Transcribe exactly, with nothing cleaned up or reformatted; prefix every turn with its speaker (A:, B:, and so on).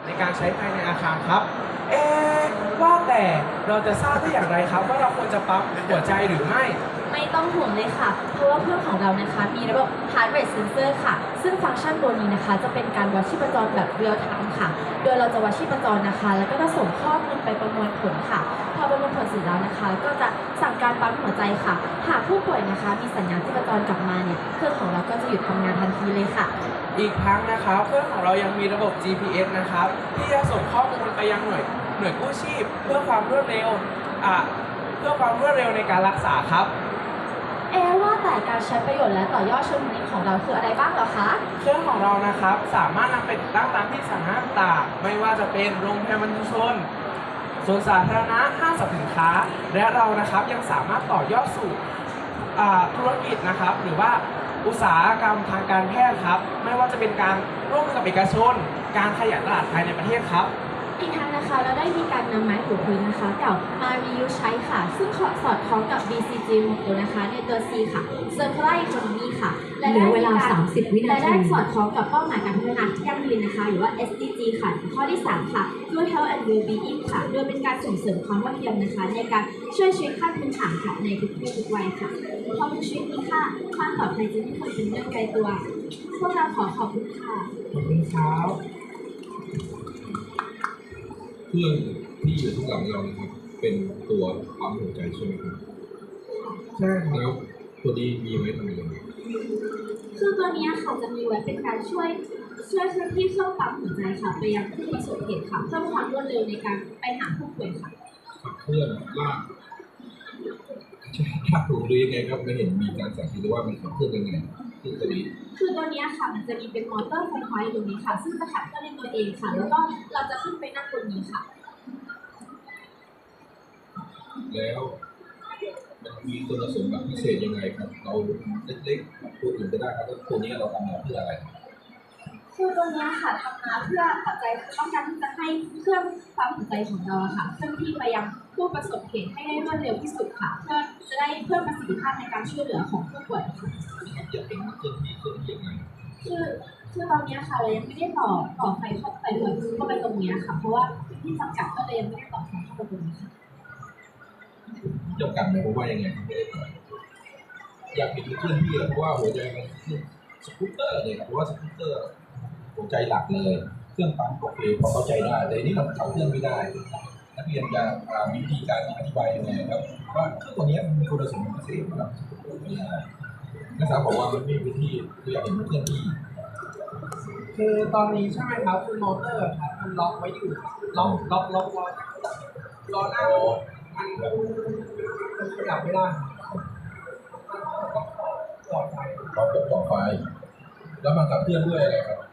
A: ในการใช้ภายในอาคารครับ เอ๊ะว่าแต่เราจะทราบได้อย่างไรครับว่าเราควรจะปั๊มหัวใจหรือไม่
B: ไม่ต้องห่วงเลยค่ะ เพราะว่าเครื่องของเรานะคะมีระบบ heart rate sensor ค่ะ ซึ่งฟังก์ชันตัวนี้นะคะจะเป็นการวัดชีพจรแบบ real time ค่ะ โดยเราจะวัดชีพจรนะคะ แล้วก็จะส่งข้อมูลไปประมวลผลค่ะ พอประมวลผลเสร็จแล้วนะคะ ก็จะสั่งการปั๊มหัวใจค่ะ หากผู้ป่วยนะคะมีสัญญาณชีพจรกลับมาเนี่ย เครื่องของเราก็จะหยุดทำงานทันทีเลยค่ะ
A: อีกทั้งนะครับเครื่องของเรายังมีระบบ จี พี เอส นะครับที่จะส่งข้อมูลไปยังหน่วยหน่วยกู้ชีพเพื่อความรวดเร็วอ่ะเพื่อความรวดเร็วในการรักษาครับ
B: เอ๊ะว่าแต่การใช้ประโยชน์และต่อยอดเชิงพาณิชย์ของเราคืออะไรบ้างเหรอคะ
A: เครื่องของเรานะครับสามารถนำไปติดตั้งตามที่สาธารณะต่างๆไม่ว่าจะเป็นโรงพยาบาลชุมชนสวนสาธารณะห้างสรรพสินค้า และเรานะครับยังสามารถต่อยอดสู่อ่าธุรกิจนะครับหรือว่าอุตสาหกรรมทางการแพทย์ครับไม่ว่าจะเป็นการร่วมมือกับเอกชน การขยายตลาดภายในประเทศครับ
B: อีกทั้งนะคะเราได้มีการนำไม้ถูพื้นนะคะเก่ามา reuse ใช้ค่ะ ซึ่งสอดคล้องกับ บี ซี จี ของตัวนะคะในตัว C ค่ะ Circular Economy ค่ะ
C: เหลือเวลาสามสิบวินาที
B: และได้สอดคล้องกับเป้าหมายการพัฒนาที่ยั่งยืนนะคะ หรือว่า เอส ดี จี ค่ะ ข้อที่ สาม ค่ะ Good Health and Well-being ค่ะ โดยเป็นการส่งเสริมความเท่าเทียมนะคะ ในการช่วยชีวิตขั้นพื้นฐานค่ะในทุกเพศทุกวัยค่ะเพราะทุกชีวิตมีค่าความปลอดภัยจะไม่เคยเป็นเรื่องไกลตัว พวกเราขอขอบคุณค่ะ
A: ขอบคุณครับ
D: เครื่องที่อยู่ข้างหลังเรานะครับ เป็นตัวปั๊มหัวใจใช่ไหมครับ
A: ใช่ครับ
D: แล้วตัวนี้มีไว้ทำอะไร
B: คือตัวเนี้ยค่ะจะมีไว้เป็นการช่วยช่วยเคลื่อนที่เครื่องปั๊มหัวใจค่ะไปยังผู้ประสบเหตุค่ะเพิ่มความรวดเร็วในการไปหาผู้ป่วยค่ะ
D: ขับเคลื่อนลากใช่ลากถูกหรือยังไงครับไม่เห็นมีการสาธิตว่ามันขับเคลื่อนยังไงที่ตัวนี้
B: คือตัวเนี้ยค่ะมันจะมีเป็นมอเตอร์ไฟฟ้าอยู่ตรงนี้ค่ะ ซึ่งจะขับเคลื่อนในตัวเองค่ะ แล้วก็เราจะขึ้นไปนั่งบนนี้ค่ะ
D: แล้วมันมีคุณสมบัติพิเศษยังไงครับ เราเล็กๆตัวอื่นก็ได้ครับแล้วตัวนี้เราทำมาเพื่ออะไร
B: คือตัวเนี้ยค่ะทำมาเพื่อปัจจัยต้องการที่จะให้เครื่องปั๊มหัวใจของเราอะค่ะเคลื่อนที่ไปยังผู้ประสบเหตุให้ได้รวดเร็วที่สุดค่ะ เพื่อจะได้เพิ่มประสิทธิภาพในการช่วยเหลือของผู้ป่วยค่ะ
D: อยากเป็นเครื่องที่เครื่องที่ยังไง
B: คือคือตอนเนี้ยค่ะเรายังไม่ได้ต่อต่อไฟเข้าไปเลยเข้าไปตรงเนี้ยค่ะ เพราะว่าพื้นที่จำกัดก็เลยยังไม่ได้ต่อไฟเข้าไปตรงนี้ค่ะ
D: จำกัดหมายความว่ายังไงครับไม่ได้ต่ออยากเป็นเครื่องที่เพราะว่าหัวใจมันคือสกูตเตอร์เลยครับเพราะว่าสกูตเตอร์หัวใจหลักเลยเครื่องปั๊มโอเคพอเข้าใจได้แต่อันนี้เราขับเคลื่อนไม่ได้นักเรียนจะอ่ามีวิธีการอธิบายยังไงครับว่าเครื่องตัวนี้มันมีคุณสมบัติพิเศษสำหรับสกูตเตอร์ไม่ได้นักศึกษาบอกว่ามันไม่มีวิธีคืออยากเห็นเครื่องที่
A: คือตอนนี้ใช่ไหมครับคือมอเตอร์ครับมันล็อกไว้อยู่ล็อกล็อกล็อกล็อกล้อหน้ารถมันมันขยับไม่ได้ต่อไฟ
D: เรากดต่อไฟ แล้วมันขับเคลื่อนด้วยอะไรครับ